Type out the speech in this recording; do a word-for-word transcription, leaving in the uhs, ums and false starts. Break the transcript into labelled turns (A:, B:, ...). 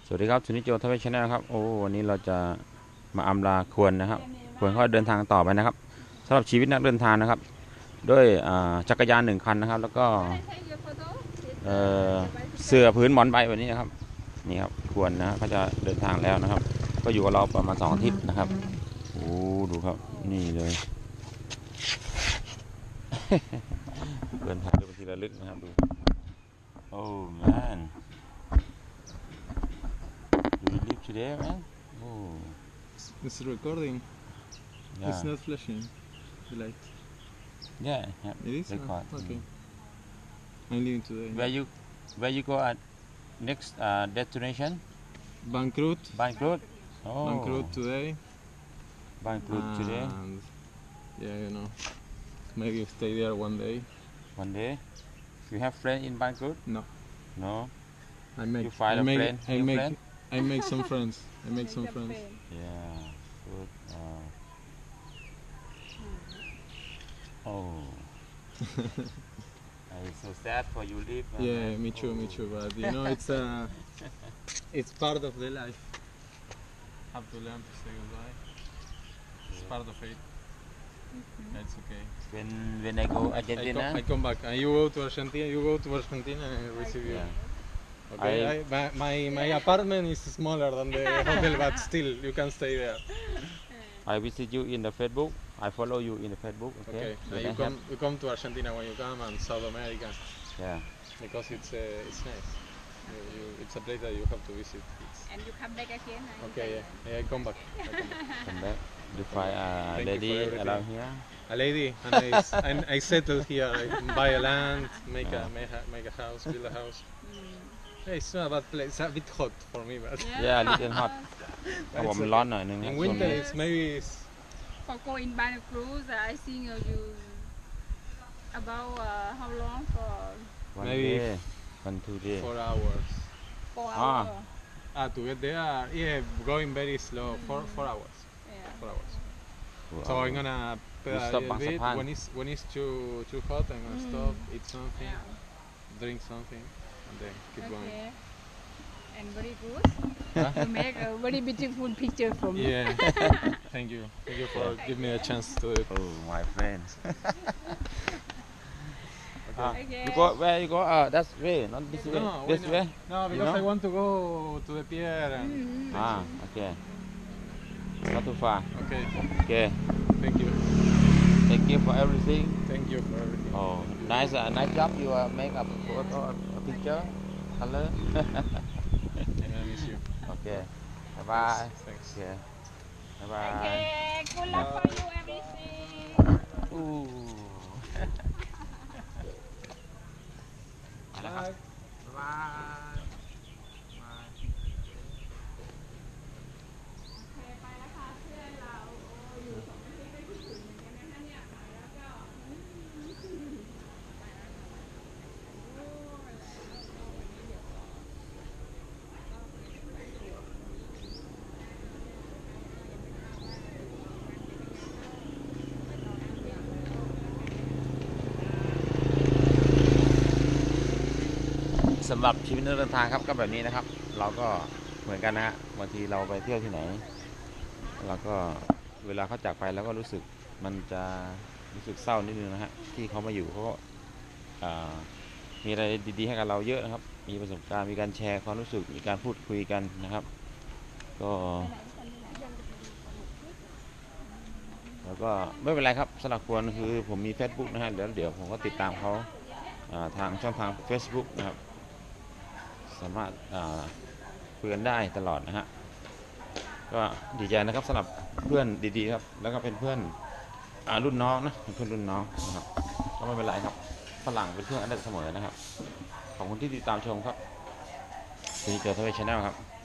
A: สวัสดีครับสุนิจโจทวีชแนลครับโอ้วันนี้เราจะมาอำลาควรนะครับควรเขาเดินทางต่อไปนะครับสำหรับชีวิตนักเดินทางนะครับด้วยจักรยานหนึ่งคันนะครับแล้วก็เสื้อพื้นหมอนใบแบบนี้นะครับนี่ครับควรนะเขาจะเดินทางแล้วนะครับก็อยู่กับเราประมาณสองอาทิตย์นะครับโอ้ดูครับนี่เลยเดินทางด้วยเป็นที่ระลึกนะครับดูโอ้ man do you live today man oh
B: It's recording.
A: yeah
B: It's not flashing. The light.
A: yeah yeah
B: It is?
A: record
B: Oh, okay. I'm leaving today.
A: where you where you go at next uh, destination
B: Bankrupt.
A: Bangkok oh
B: Bankrupt today.
A: Bangkok today
B: And yeah, you know, maybe stay there one day.
A: one day you have friend in Bangkok
B: No.
A: no
B: I make.
A: You find
B: I
A: a
B: make,
A: friend?
B: I
A: New
B: make.
A: friend?
B: I make some friends. I make some friends.
A: yeah good uh, oh I'm so sad for you leave uh,
B: Yeah,
A: man.
B: me too, me
A: Oh.
B: too. But you know, it's uh, it's part of the life. Have to learn to say goodbye. It's
A: Yeah.
B: part of it. That's okay.
A: when when I go
B: I
A: Argentina
B: come, I come back. And you go to Argentina. You go to Argentina and I receive you.
A: yeah
B: Okay.
A: I-
B: I, my, my my apartment is smaller than the hotel, but still you can stay there.
A: I visit you in the Facebook I follow you in the Facebook okay,
B: Okay.
A: When
B: And you
A: I
B: come
A: have-
B: you come to Argentina when you come and South America
A: yeah
B: because it's uh, it's nice. You, you, it's a place that you have to visit. It's,
C: And you come back again. uh,
B: okay. Yeah. Yeah. I come back. I come back.
A: come back you find a
B: Thank you for
A: lady
B: everything.
A: around here
B: A lady, and I, s- and I settled here. I buy a land, make a make a, make a house, build a house. Hey, it's not a bad place. It's a bit hot for me, but
A: yeah little hot ครับผมมันร้อนหน่อยนึงนะ
B: in
A: ช่วง
B: winter
A: นี้
B: it's maybe it's,
C: For go in Bana Cruise, I think uh, you about uh, how long for
A: one
B: Maybe
A: day one two day
B: four hours.
C: four
A: Ah.
C: hours.
B: Ah, to get there, yeah, going very slow. Four four hours.
C: Yeah.
B: Four hours.
A: Two
B: So I'm
A: hours.
B: gonna pedal
A: stop
B: a little bit.
A: Bangsapan.
B: When it's when it's too too hot, I'm gonna
C: Mm.
B: stop, eat something,
C: Yeah.
B: drink something, and then keep going.
C: Okay. And very good.
B: Huh?
C: You make a very beautiful picture for me.
B: Yeah. Thank you. Thank you for giving me a chance to do it.
A: oh my friends Ah,
C: Okay.
A: you go where you go uh that's way not this way
B: No,
A: this
B: why
A: way
B: not? No,
A: You
B: because
A: know?
B: I want to go to the pier. And
C: Mm.
A: ah okay not too far
B: Okay.
A: okay
B: Thank you.
A: thank you for everything
B: Thank you for everything.
A: oh nice uh, nice job you uh, make a photo a picture color
B: And I miss you.
A: okay bye bye
B: Thanks.
A: okay bye bye
C: Okay. Good luck for you everything.
A: Ooh. ไปแล้วครับ
B: Bye.
A: บ๊ายบายสำหรับชีวิตนักเดินทางครับก็แบบนี้นะครับ เราก็เหมือนกันนะฮะบางทีเราไปเที่ยวที่ไหนเราก็เวลาเขาจากไปแล้วก็รู้สึกมันจะรู้สึกเศร้านิดนึงนะฮะที่เขามาอยู่เขาก็อ่ามีอะไรดีๆให้กับเราเยอะนะครับ มีประสบการณ์มีการแชร์ความรู้สึกมีการพูดคุยกันนะครับ ก็แล้วก็ไม่เป็นไรครับสำหรับควรคือผมมี Facebook นะฮะเดี๋ยวเดี๋ยวผมก็ติดตามเขาอ่าทางช่องทาง Facebook นะครับสามารถอ่าคุยกันได้ตลอดนะฮะก็ดีใจนะครับสำหรับเพื่อนดีๆครับแล้วก็เป็นเพื่อนอ่ารุ่นน้องนะเป็นเพื่อนรุ่นน้องนะครับก็ไม่เป็นไรครับฝรั่งเป็นเพื่อนกันได้เสมอนะครับขอบคุณที่ติดตามชมครับซีเกิร์ลทวีชแนลครับ